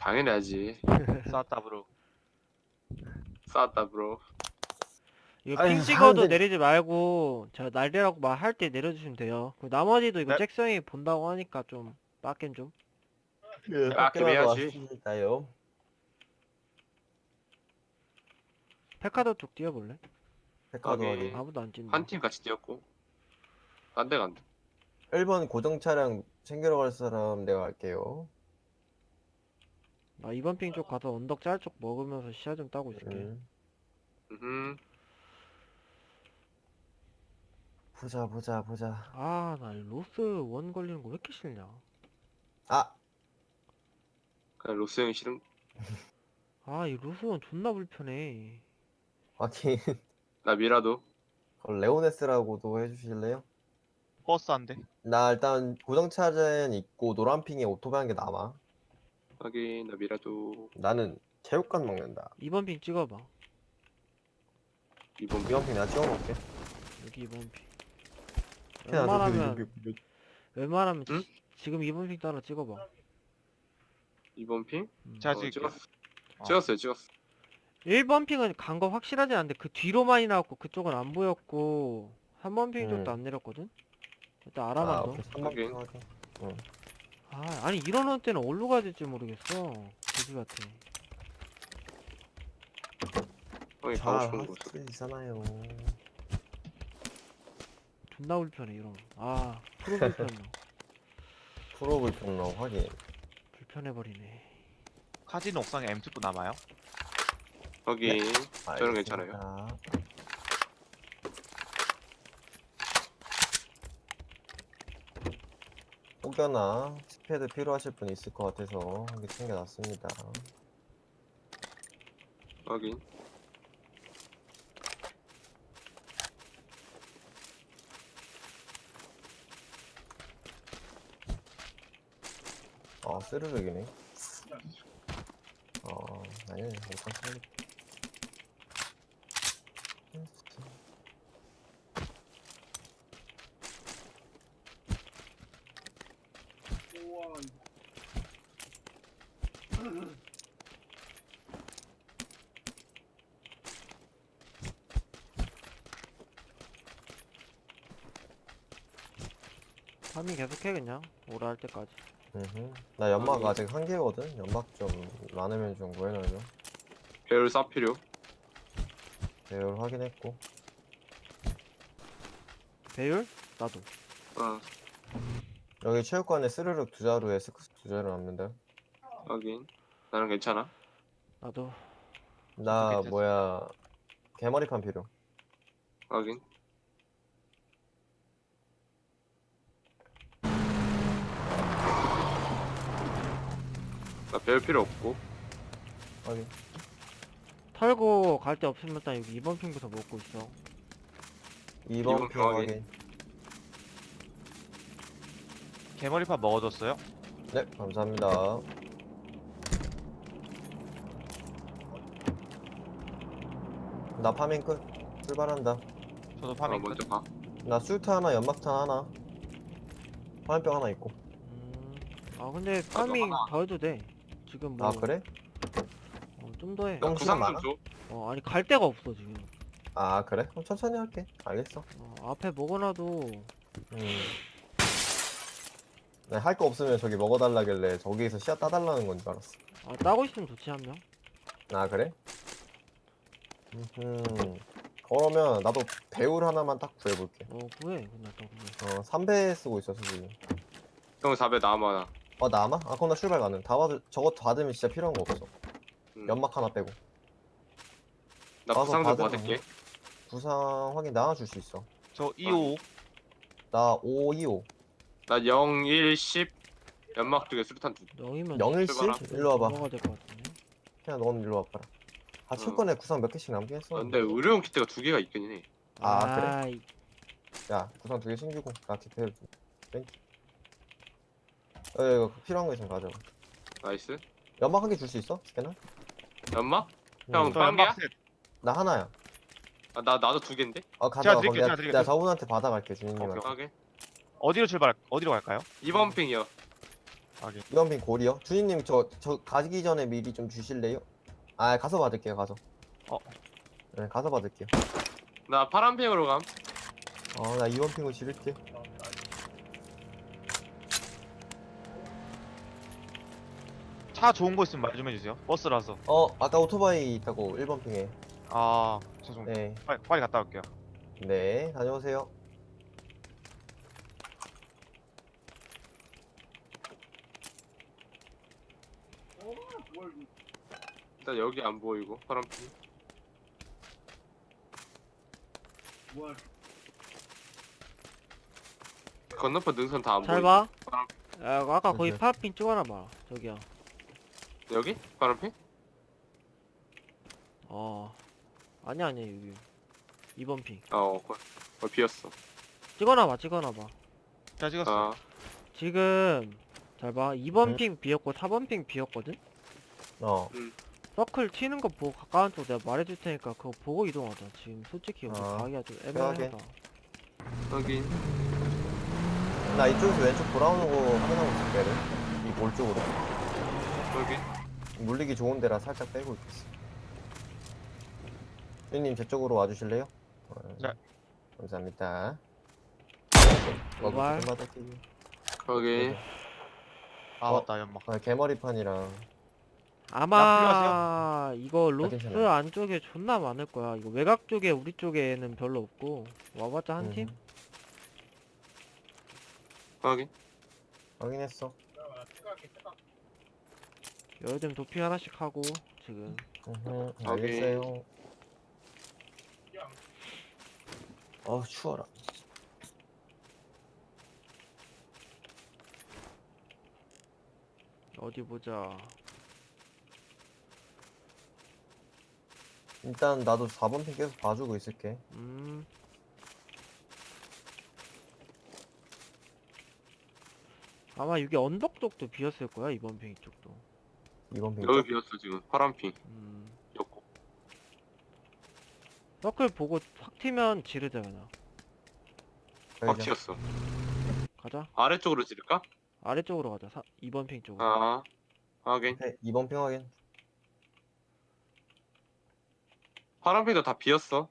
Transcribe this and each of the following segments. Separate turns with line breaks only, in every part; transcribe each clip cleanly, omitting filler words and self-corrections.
당연히 하지.
쌌다 브로.
싸웠다 브로.
이거
아니,
핑 찍어도
하는데-
내리지 말고 제가 날리라고 말할 때 내려주시면 돼요. 그 나머지도 이거
네?
잭성이 본다고 하니까 좀 빡겜 좀.
그
빡김 해야지.
왔습니다요.
페카도 쪽 뛰어볼래?
백화도
오케이.
확인.
아무도 안 뛴다.
한 팀 같이 뛰었고. 딴 데 간다.
1번 고정 차량 챙기러 갈 사람 내가 갈게요.
나 이번 핑 쪽 가서 언덕 짤 쪽 먹으면서 시야 좀 따고 있을게.
음.
보자.
아, 나 로스 원 걸리는 거 왜 이렇게 싫냐?
아,
그냥 로스 형이 싫은.
아, 이 로스 원 존나 불편해.
확인.
나 미라도.
그럼 레오네스라고도 해주실래요?
버스 한 대.
나 일단 고정 차량 있고 노란 핑에 오토바이 한 개 남아.
확인. 나 미라도.
나는 체육관 먹는다.
이번 핑 찍어봐.
이번
이번 핑 내가 찍어놓을게.
여기 이번 핑.
야, 너
웬만하면
응?
지금 이번 핑 따라 찍어봐.
이번 핑?
제가
어,
찍을게요.
찍었어요. 찍었어.
1번 핑은 간 거 확실하지 않은데 그 뒤로만이 나왔고 그쪽은 안 보였고 3번 핑 쪽도 안 내렸거든? 일단 알아만 둬.
오케이. 3번 핑 확인.
아, 아니 이러는 때는 어디로 가야 될지 모르겠어. 돼지 같아.
형이
잘
가고 싶은 곳.
하시잖아요.
존나 불편해 이러면. 아, 프로 불편해.
프로볼 평로 확인.
불편해버리네.
카지노 옥상에 M2도 남아요?
확인. 저는
알겠습니다.
괜찮아요.
혹여나 스패드 필요하실 분 있을 것 같아서 한 개 챙겨놨습니다.
확인.
아, 스르륵이네. 아니, 못한 소리.
파밍 계속해 그냥 오라 할 때까지.
나 연막
아니.
아직 한 개거든? 연막 좀 많으면 좀 구해놔줘.
배율 쌉 필요.
배열 확인했고.
배율? 나도.
어.
여기 체육관에 스르륵 두 자루에 스크스 두 자루 남는다.
확인. 나는 괜찮아.
나도.
나
괜찮지.
뭐야, 개머리판 필요.
확인. 나 배울 필요 없고.
확인.
털고 갈 데 없으면 일단 여기 2번 핑부터 먹고 있어.
2번
이번
핑
확인.
확인.
개머리판 먹어줬어요?
네, 감사합니다. 나 파밍 끝. 출발한다.
저도
아,
파밍 끝.
먼저 가.
나 수트 하나, 연막탄 하나. 화염병 하나 있고.
아 근데 파밍
하나.
더 해도 돼. 지금 뭐.
아, 그래?
좀 더 해.
형 시간
구상
많아?
좀 줘.
아니 갈 데가 없어 지금.
아, 그래? 그럼 천천히 할게. 알겠어.
앞에 먹어놔도
네, 할 거 없으면 저기 먹어달라길래 저기에서 씨앗 따달라는 건 줄 알았어.
따고 있으면 좋지 한 명.
아, 그래? 그러면 나도 배울 하나만 딱 구해볼게.
구해 그냥 또 구해.
3배 쓰고 있어서 지금.
형 4배 남아.
남아? 아, 그럼 나 출발 가능. 저거 받으면 진짜 필요한 거 없어. 연막 하나 빼고.
나
가서
구상 좀
받으면
받을게.
부상 확인 나눠 줄 수 있어.
저 255.
나 525.
나 0, 1, 10. 연막 쪽에 수류탄 두.
0이면
017? 일로 와봐.
넘어가야 될 것 같은데.
그냥 넌 일로 와봐라. 아, 체육관에 구상 몇 개씩 남긴 했어.
근데 의료용 키트가 2개가 있긴 해.
아, 그래?
아이,
야, 구상 2개 챙기고 나 디테일 좀. 땡큐. 이거 필요한 거 있으면 가져와.
나이스.
연막 한 개 줄 수 있어? 스캐너?
연막? 형,
저
빵이야?
연막 셋.
나 하나야.
아, 나도 2개인데?
가져와.
드릴게요,
그럼
제가 드릴게요.
내가 저분한테 받아갈게, 주인님한테.
오케이.
어디로 갈까요?
이번 핑이요.
확인.
2번 핑 골이요. 주인님 저 가기 전에 미리 좀 주실래요? 아 가서 받을게요. 가서.
어.
네 가서 받을게요.
나 파란핑으로 감.
나 2번 핑을 지를게.
차 좋은 거 있으면 말 좀 해주세요. 버스라서.
아까 오토바이 있다고 1번 핑에.
아, 죄송.
네.
빨리 갔다 올게요.
네, 다녀오세요.
일단 여기 안 보이고 파란핑. 건너편 능선 다 안
잘
보이고.
봐.
파란-
야, 아까 거기
네.
파란핑 찍어놔봐. 저기요.
여기? 파란핑?
아니야 여기. 2번 핑.
비었어.
찍어놔봐.
잘 찍었어.
아,
지금 잘 봐. 2번
응?
핑 비었고 4번 핑 비었거든?
어,
서클 튀는 거 보고 가까운 쪽 내가 말해줄 테니까 그거 보고 이동하자. 지금 솔직히 여기
아,
가기가 좀
편하게.
애매하다.
확인.
나 이쪽에서 왼쪽 돌아오는 거 확인하고 있을게. 이 골 쪽으로.
여기.
물리기 좋은 데라 살짝 빼고 있겠어. 주인님 제 쪽으로 와주실래요?
네.
감사합니다.
도발.
받을게요.
확인.
아, 맞다, 연막.
개머리판이랑
아마 이거 로스
괜찮아요.
안쪽에 존나 많을 거야. 이거 외곽 쪽에 우리 쪽에는 별로 없고 와봤자 한 팀?
확인.
확인했어.
요즘 도핑 하나씩 하고 지금
알겠어요. 추워라.
어디 보자.
일단 나도 4번 핑 계속 봐주고 있을게.
아마 여기 언덕 쪽도 비었을 거야. 이번 핑 쪽도.
2번 핑
여기
쪽.
비었어 지금. 파란핑.
음.
였고.
서클 보고 확 튀면 지르자 그냥.
확 튀었어.
가자.
아래쪽으로 지를까?
아래쪽으로 가자. 2번 핑 쪽으로.
아, 확인.
오케이, 2번 핑 확인.
파란핑도 다 비었어.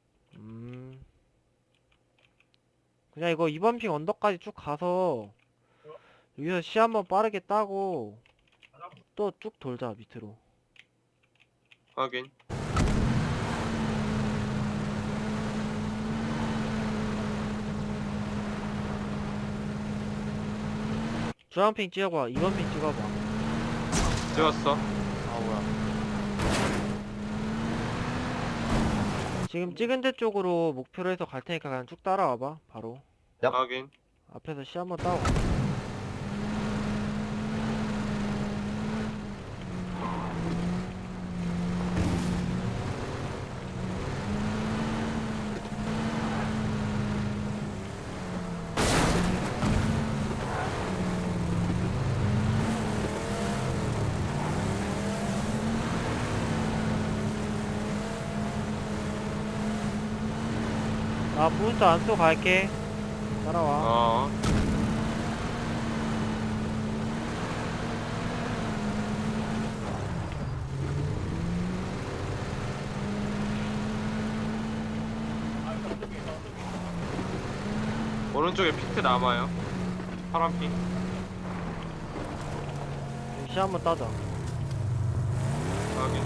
그냥 이거 2번 핑 언덕까지 쭉 가서 여기서 시 한번 빠르게 따고 또 쭉 돌자 밑으로.
확인.
주황핑 찍어봐. 2번 핑 찍어봐.
찍었어.
아, 뭐야.
지금 찍은 데 쪽으로 목표로 해서 갈 테니까 그냥 쭉 따라와봐. 바로
얍.
확인.
앞에서 시 한번 따고. 나 부스터 안쏘 갈게. 따라와.
어. 오른쪽에 피트 남아요. 파란핑.
시 한번 따자.
확인.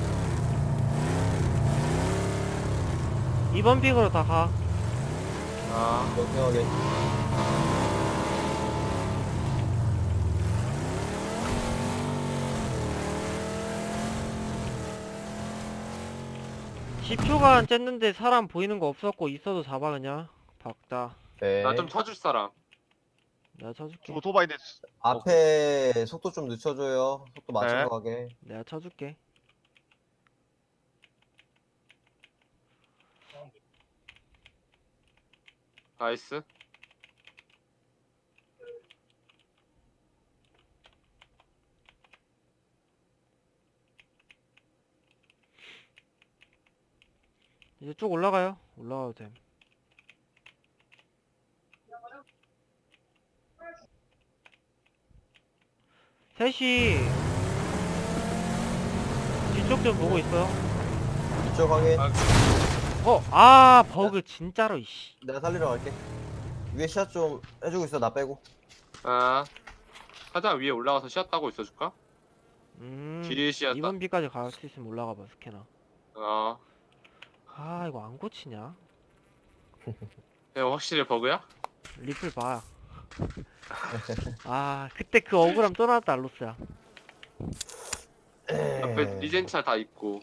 2번 픽으로 다 가.
아,
2번 핑 확인.
10초간 쨌는데 사람 보이는 거 없었고 있어도 잡아 그냥. 박다.
네.
나 좀 쳐줄 사람.
내가 쳐줄게.
오토바이 대
앞에 속도 좀 늦춰줘요. 속도 맞춰서
네.
가게.
내가 쳐줄게.
나이스.
이제 쭉 올라가요. 올라가도 됨. 셋이 뒤쪽 좀 보고 있어요.
이쪽 확인.
버그 진짜로 이씨.
내가 살리러 갈게. 위에 시야 좀 해주고 있어. 나 빼고.
아 사장 위에 올라가서 시야 따고 있어줄까? 뒤에 시야 따.
이번 비까지 갈 수 있으면 올라가봐 스캐너.
어
이거 안 고치냐?
이거 확실히 버그야?
리플 봐. 그때 그 억울함 또 나왔다 알로스야.
앞에 리젠차 다 있고.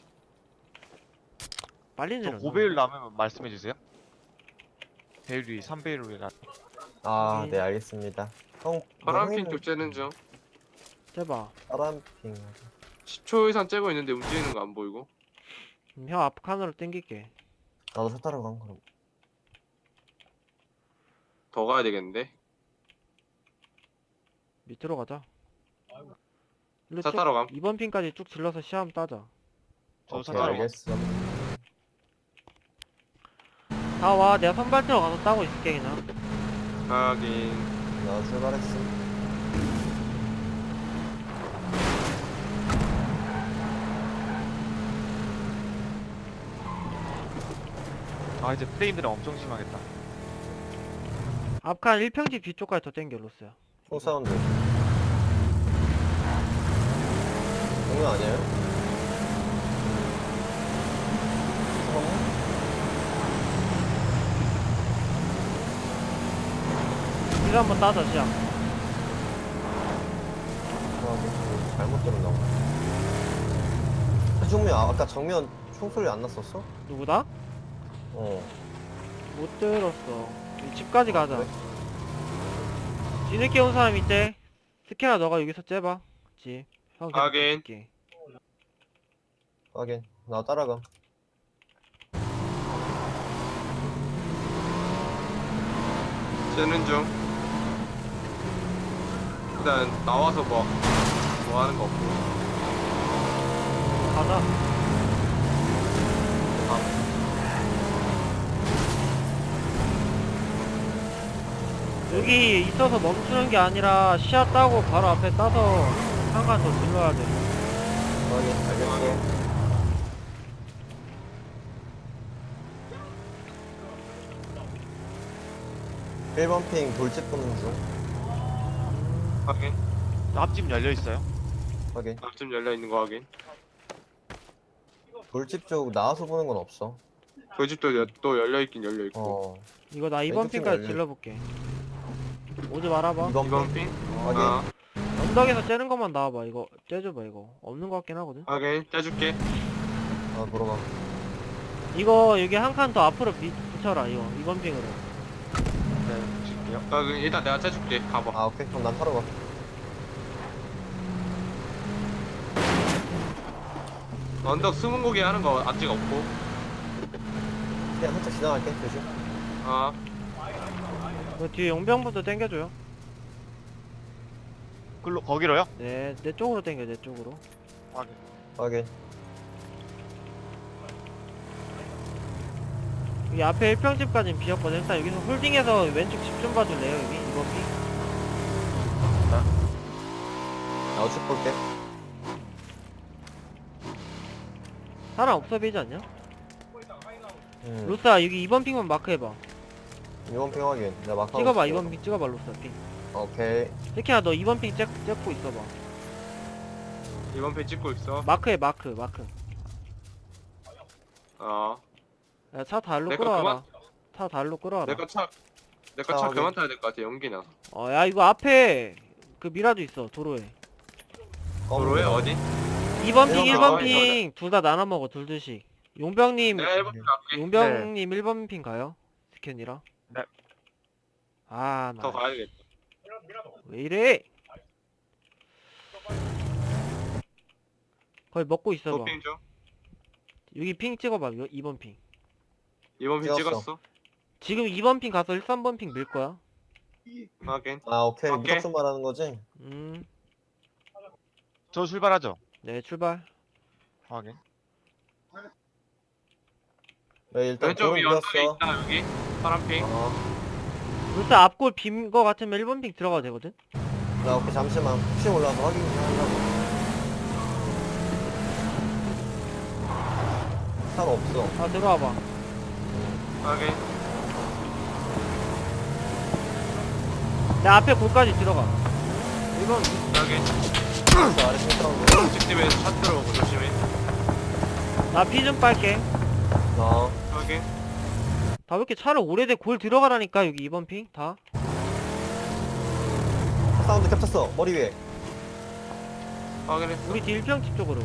빨리
저
내려.
고배율 나면 말씀해주세요. 배율이 3배율이라.
아, 네, 알겠습니다. 형,
파란핑 쪽 째는 중.
째봐.
파란핑.
10초 이상 째고 있는데 움직이는 거 안 보이고.
형 앞칸으로 땡길게.
나도 차 타러 간 그럼.
더 가야 되겠는데.
밑으로 가자. 일로
차
쭉
타러 감.
이번 핀까지 쭉 질러서 시험 따자.
저
오케이,
차타로
알겠어.
다 와. 내가 선발대로 가서 따고 있을게 그냥.
하긴.
나 출발했어.
이제 프레임들은 엄청 심하겠다.
앞칸 1평집 뒤쪽까지 더 땡겨 로스야.
총 사운드. 장난 아니에요?
이거 한번 따자 시험.
잘못 들었나 보다. 정면, 아까 정면 총소리 안 났었어?
누구다?
어.
못 들었어. 집까지 가자.
그래?
뒤늦게 온 사람 있대. 스캐너 너가 여기서 째봐. 집. 형 계속
하긴.
볼게.
확인. 나 따라가.
째는 중. 일단 나와서 뭐 하는 거 없고.
가자. 여기 있어서 멈추는 게 아니라 시야 따고 바로 앞에 따서 한 칸 더 질러야 돼.
확인. 알겠어. 1번 핑 돌집 보는 중.
확인.
앞집 열려 있어요.
확인.
앞쯤 열려 있는 거 확인.
돌집 쪽 나와서 보는 건 없어.
그 집도 또 열려 있긴 열려 있고.
어.
이거 나
왼쪽
2번
팀
핀까지
열려.
질러볼게. 오지 말아봐.
2번
이번
핑.
핑.
확인.
언덕에서 째는 것만 나와봐. 이거 째줘봐 이거. 없는 것 같긴 하거든.
확인. 째줄게.
아, 돌아가.
이거 여기 한 칸 더 앞으로 붙여라 이거 2번 핑으로.
네, 줄게요.
그럼 일단 내가 째줄게. 가봐.
아, 오케이. 그럼 난 타러 가.
언덕 숨은 고기 하는 거 아직 없고.
그냥 살짝 지나갈게. 조심.
아
그 뒤에 용병부터 땡겨줘요.
거기로요?
네, 내 쪽으로 땡겨 내 쪽으로.
확인.
확인.
여기 앞에 1평집까지는 비었거든. 일단 여기서 홀딩해서 왼쪽 집 좀 봐줄래요 여기 2번 핑.
나 우측 볼게.
사람 없어 보이지 않냐?
음.
로스야 여기 2번 핑만 마크해봐.
2번 핑 확인. 내가 마카.
찍어봐 2번 핑 찍어봐 로스야 핑.
오케이.
새끼야 너 2번 핑 찍고 있어봐.
이번 편 찍고 있어.
마크해 마크.
어.
야, 차 달로
내거
끌어와라. 차 달로 끌어와라.
내거 차
아,
그만
확인.
타야 될 것 같아. 연기나.
야 이거 앞에 그 미라도 있어 도로에.
도로에 어디?
2번 핑
이런
1번
거.
핑 둘 다 나눠 먹어 둘씩. 용병님
내가 1번 편 갈게.
용병님 1번 핑 가요? 스캔이랑.
네.
나
더 가야겠다.
왜 이래? 거의 먹고 있어봐.
도핑 좀.
여기 핑 찍어봐. 2번 핑.
이번 편
찍었어.
찍었어.
지금 2번 핑 가서 3번 핑 밀 거야.
확인.
아, 오케이.
오케이.
무작정 말하는 거지?
저 출발하죠.
네 출발.
확인.
네, 일단
왼쪽
도로
위 언덕에
비었어.
있다 여기. 파란 핑.
어.
루스 앞골 빈 거 같으면 1번 핑 들어가도 되거든?
나 오케이 잠시만 혹시 올라와서 확인 좀 하려고. 산 없어.
아 들어와봐.
확인.
내 앞에 골까지 들어가. 이건
확인.
저 아래 핑크하고.
직집에서 차 들어오고 조심히.
나 피 좀 빨게.
나
확인.
다 왜 이렇게 차를 오래돼 골 들어가라니까 여기 2번 핑 다.
사운드 겹쳤어. 머리 위에.
확인했어.
우리 뒤 1평집 쪽으로.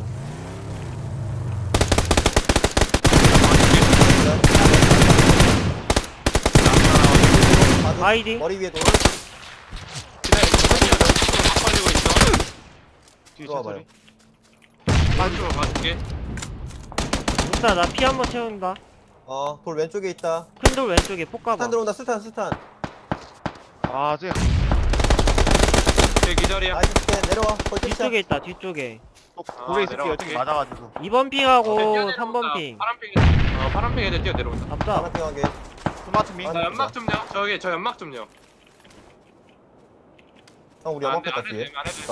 맞은-
아이디.
머리 위에 돌.
기다려. 천천히 하자. 막 걸리고 있어.
뒤에
들어와봐요.
차소리.
오른쪽으로 가줄게.
일단 나 피 한번 채운다.
돌 왼쪽에 있다.
큰 돌 왼쪽에 폭 가봐.
스탄 들어온다. 스탄.
아, 쟤.
제 기절이야.
나이스 스캔 내려와. 거의 끝이야.
뒤쪽에 있다 뒤쪽에.
또 고래 있을게.
내려갈게.
여기 맞아가지고.
2번 핑하고
뛰어내려온다.
3번 핑.
파란 핑 애들 뛰어 내려온다.
잡자.
하나평하게.
스마트 미.
아,
나 연막 좀요. 저 연막 좀요.
형 우리
안
연막
돼,
뺐다
안
뒤에.
해도 돼, 안 해도 돼.
자,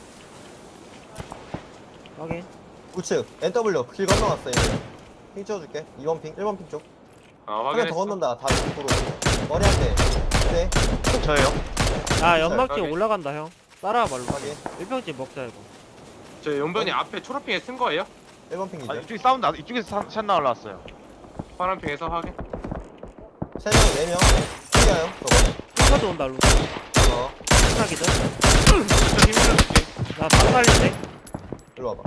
확인.
우측 NW 길 건너왔어 얘네. 핑 찍어줄게. 2번 핑, 1번 핑 쪽. 한 명 더
확인했어.
건넌다. 다 이쪽으로. 머리 한 대. 네.
저예요.
야 연막집
확인.
올라간다 형. 따라와 말로.
확인.
1평집 먹자 이거.
저 용변이 앞에 초록핑에 쓴 거예요?
1번 핑
아,
이제.
이쪽에 사운드, 이쪽에서 샷나 올라왔어요.
파란 핑에서 확인.
3명, 4명. 핑이야요 저거.
핑카도 온다 루.
어.
핑카기들.
저쪽 힘 밀어줄게.
나방 살린대.
일로 와봐.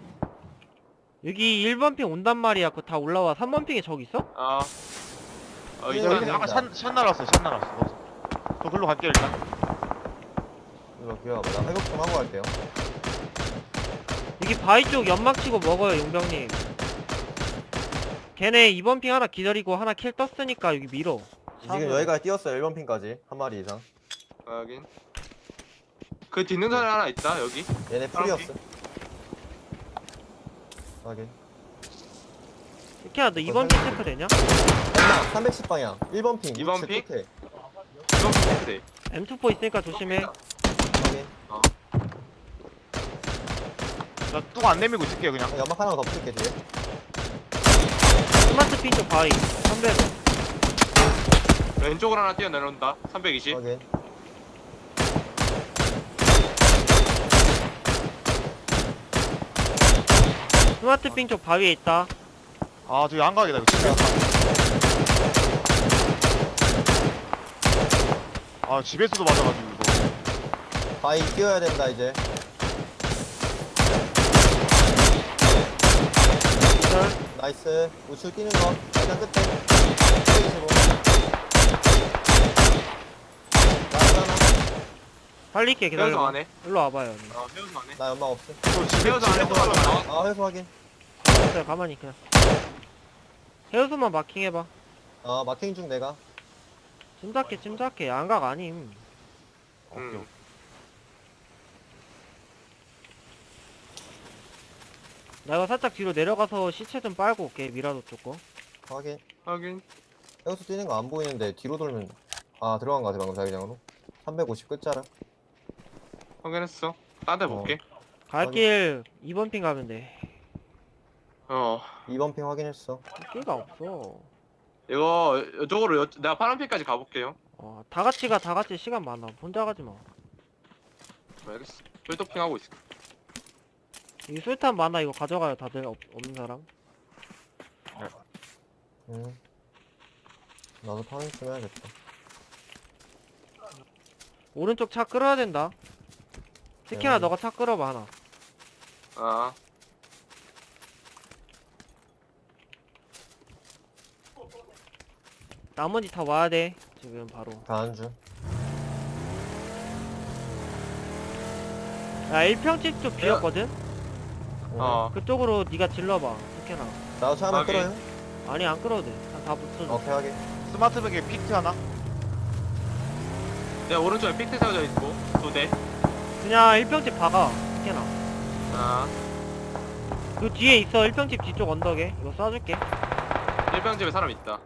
여기 1번 핑 온단 말이야. 그거 다 올라와. 3번 핑에 적 있어?
이제
여기
여기
네,
아까
네.
샷 날았어요. 샷 날았어. 저 글로 갈게요, 일단.
일로 기어와봐. 나 회복 좀 하고 갈게요.
여기 바위 쪽 연막 치고 먹어요 용병님. 걔네 2번 핑 하나 기다리고 하나 킬 떴으니까 여기 밀어.
지금 여기까지 뛰었어요. 1번 핑까지. 한 마리 이상.
확인. 그 뒷는 사람 하나 있다 여기.
얘네 풀이었어. 확인.
이렇게 너 2번 핑 체크 되냐?
엄마 310방향. 1번 핑.
2번
우측
핑?
끝에.
이건 비슷해.
M24 있으니까 조심해.
확인.
나뚝 안 내밀고 있을게요, 그냥.
연막 하나 더 붙일게 뒤에.
스마트 핑 쪽 바위. 300.
왼쪽으로 하나 뛰어 내려온다. 320.
확인.
스마트 핑 쪽 바위에 있다.
아, 저기 안각이다, 이거 진짜. 아, 집에서도 맞아가지고, 이거.
바위 뛰어야 된다 이제.
기절.
나이스. 우측 뛰는 거. 일단 끝에. 125. 나이스 하나.
살릴게
헤어져
기다려.
안 해.
일로 와봐요.
헤어져 안 해.
나 연막 없어.
저 집에,
헤어져 안 해도
집에서
나와.
아 회수 확인.
가만있어요 가만히 그냥. 해우수만 마킹해봐.
마킹 중 내가.
침착해 양각 아님.
응.
나 이거 살짝 뒤로 내려가서 시체 좀 빨고 올게 미라도 쪽 거.
확인.
확인.
해우수 뛰는 거 안 보이는데 뒤로 돌면 들어간 거 같아 방금 자기장으로. 350 끝자락.
확인했어. 딴 데 볼게.
갈 길 2번 핑 가면 돼.
2번 핑 확인했어.
끼가 없어.
이거 이쪽으로 내가 파란 핑까지 가볼게요.
다 같이 가, 다 같이 시간 많아. 혼자 가지 마.
알겠어. 필도핑 하고 있어.
이 술탄 많아. 이거 가져가요, 다들 없는 사람.
나도 파밍 좀 해야겠다.
오른쪽 차 끌어야 된다. 특히나
네.
너가 차 끌어봐 하나. 나머지 다 와야 돼. 지금 바로.
가는 중.
야 1평집 쪽 비었거든? 그쪽으로 네가 질러봐. 특히나.
나도 차 하나
확인.
끌어요.
아니 안 끌어도 돼. 다 붙여줘.
오케이 확인.
스마트백에 피트 하나?
내 오른쪽에 픽트 세워져 있고 2대.
그냥 1평집 박아. 특히나. 그 뒤에 있어. 1평집 뒤쪽 언덕에. 이거 쏴줄게.
1병집에 사람 있다.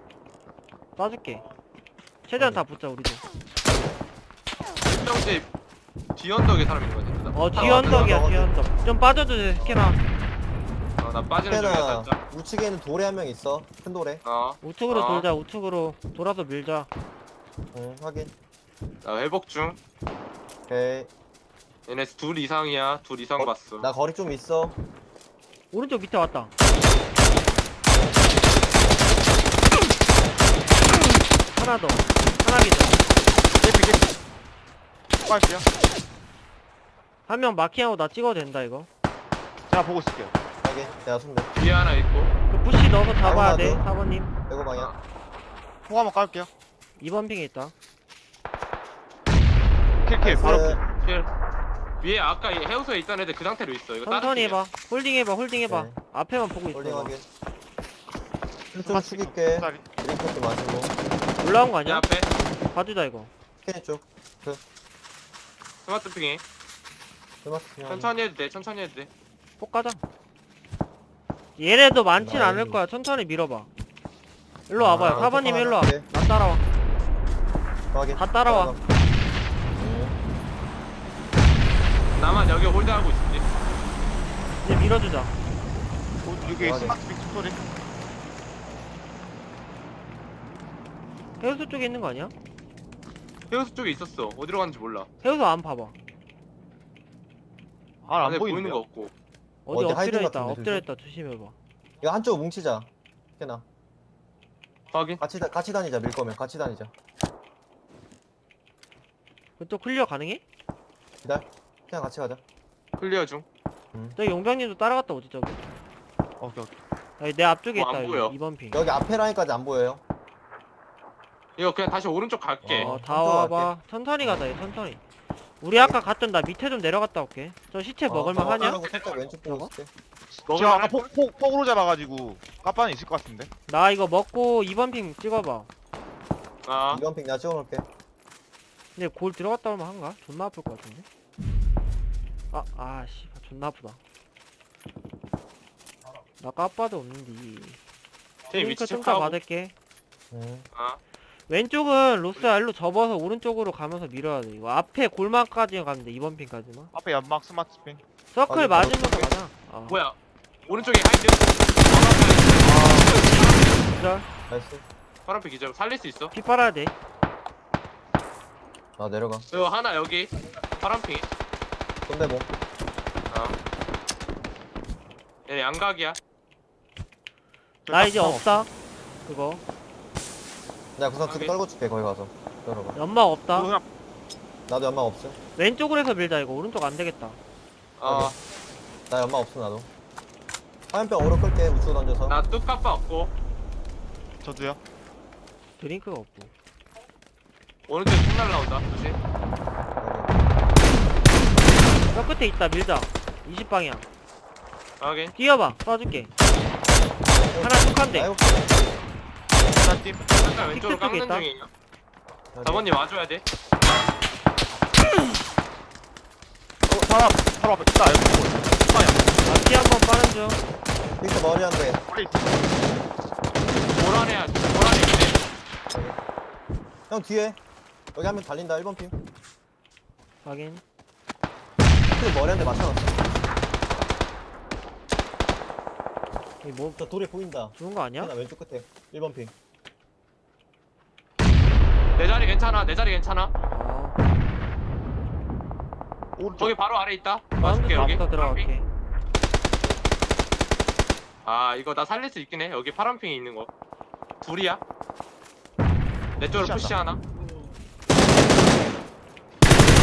쏴줄게. 최대한 다 붙자 우리도.
1병집 뒤 언덕에 사람 있는 거 같아.
뒤 언덕이야
맞아.
뒤 언덕. 좀 빠져도 돼 스캐나.
나 빠지는 중이야
스캐나
살짝.
우측에 있는 돌에 한 명 있어. 큰 돌에.
우측으로
아.
돌자 우측으로 돌아서 밀자.
응, 확인.
나 회복 중.
오케이.
얘네 둘 이상이야. 둘 이상 봤어.
나 거리 좀 있어.
오른쪽 밑에 왔다. 하나 더. 하나 기절.
깨피. 빠질게요.
한 명 마킹하고 나 찍어도 된다 이거.
제가 보고 있을게요.
확인. 내가 손대.
뒤에 하나 있고.
그 부시 넣어서 잡아야 돼
아이고,
4번님.
배고 방향.
폭 한번 깔게요.
2번 핑에 있다.
킬킬 바로 킬.
킬. 위에 아까 이 해우소에 있던 애들 그 상태로 있어. 이거 다른
천천히
팀이야.
해봐. 홀딩 해봐 홀딩 해봐.
네.
앞에만 보고
홀딩
있어.
확인. 좀 숙일게.
쌀이.
드링크 좀 마시고.
올라온 거
내
아니야?
앞에
봐주자 이거.
스캔 쪽.
스마트 핑이. 천천히 해도 돼. 천천히 해도 돼.
폭 가자. 얘네도 많진
나이.
않을 거야. 천천히 밀어봐. 일로 와봐요.
아,
4번님
폭
일로 와.
하나 할게.
나 따라와.
확인.
다 따라와.
응.
나만 여기 홀드하고 있을게.
이제 밀어주자.
여기
확인.
스마트 빅 소리.
해우소 쪽에 있는 거 아니야?
해우소 쪽에 있었어. 어디로 갔는지 몰라.
해우소 안 봐봐.
안
안에 보이는
보이는데요?
거 없고.
어디
어디
엎드려
하이든
있다.
같은데,
엎드려 있다. 조심해봐.
이거 한쪽 뭉치자. 스캔아.
확인.
같이 다니자. 밀 거면 같이 다니자.
그쪽 클리어 가능해?
기다려. 그냥 같이 가자.
클리어 중.
저기 용병님도 따라갔다 오지 저기.
오케이 오케이.
여기 내 앞쪽에
뭐
있다.
안
여기
보여.
2번 핑.
여기 앞에 라인까지 안 보여요.
이거 그냥 다시 오른쪽 갈게.
다
한쪽
와봐. 천천히 가자. 얘 천천히. 우리 아까 갔던 나 밑에 좀 내려갔다 올게. 저 시체 먹을만 하냐?
하고 살짝 왼쪽 보고 있을게.
제가 아까 폭으로 잡아가지고 까빠는 있을 것 같은데.
나 이거 먹고 2번 핑 찍어봐.
아,
이건 핑 내가 찍어놓을게.
근데 골 들어갔다 오면 한가? 존나 아플 것 같은데? 씨, 존나 아프다. 나 까빠도 없는데.
팀 위치
링크 좀 더
체크하고.
받을게.
아,
왼쪽은 로스야 일로 접어서 오른쪽으로 가면서 밀어야 돼. 이거 앞에 골망까지 가면 돼. 2번 핑까지만.
앞에 연막 스마트 핑.
서클
확인,
맞으면서
바로
가자.
뭐야? 오른쪽에 하이드.
기절.
나이스.
파란빛 기절. 살릴 수 있어?
피 빨아야 돼.
나 내려가.
이거 하나 여기. 파란핑.
손대봉.
아. 얘 양각이야.
나 이제 없다. 그거.
내가 구상 두개
확인.
떨고 줄게. 거기 가서. 열어봐.
연막 없다.
그냥
나도 연막 없음.
왼쪽으로 해서 밀자 이거. 오른쪽 안 되겠다.
어,
나 연막 없음 나도. 화염병 오로 끌게. 우측 던져서.
나 뚝까빠 없고.
저도요.
드링크가 없고.
오른쪽에 총 날라온다. 조심.
저 끝에 있다. 밀자. 20방향.
확인.
뛰어봐. 쏴줄게. 하나 툭한데.
아이고.
하나 팀.
잠깐 왼쪽으로
틱톡 쪽에
깎는
있다.
중이에요. 4번님 와줘야 돼.
바로 앞에 있다. 여기
앞뒤 한번 빠른 중.
픽스 머리 한 대.
빨리 있어.
보라네야. 보라네 있네.
형 뒤에. 여기 한 명 달린다. 1번 핑.
확인.
픽스 머리 한 대 맞춰놨어.
이 뭐,
저 돌에 보인다.
좋은 거 아니야?
나 왼쪽 끝에. 1번 핑.
내 자리 괜찮아. 내 자리 괜찮아.
오른쪽.
저기 바로 아래 있다.
마운드
봐줄게 여기.
쪽부터 들어갈게.
아 이거 나 살릴 수 있긴 해. 여기 파란핑이 있는 거. 둘이야. 내 쪽으로 푸시 하나.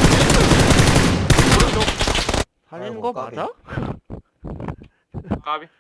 오른쪽.
살리는
아이고,
거
까비.
맞아?
까비.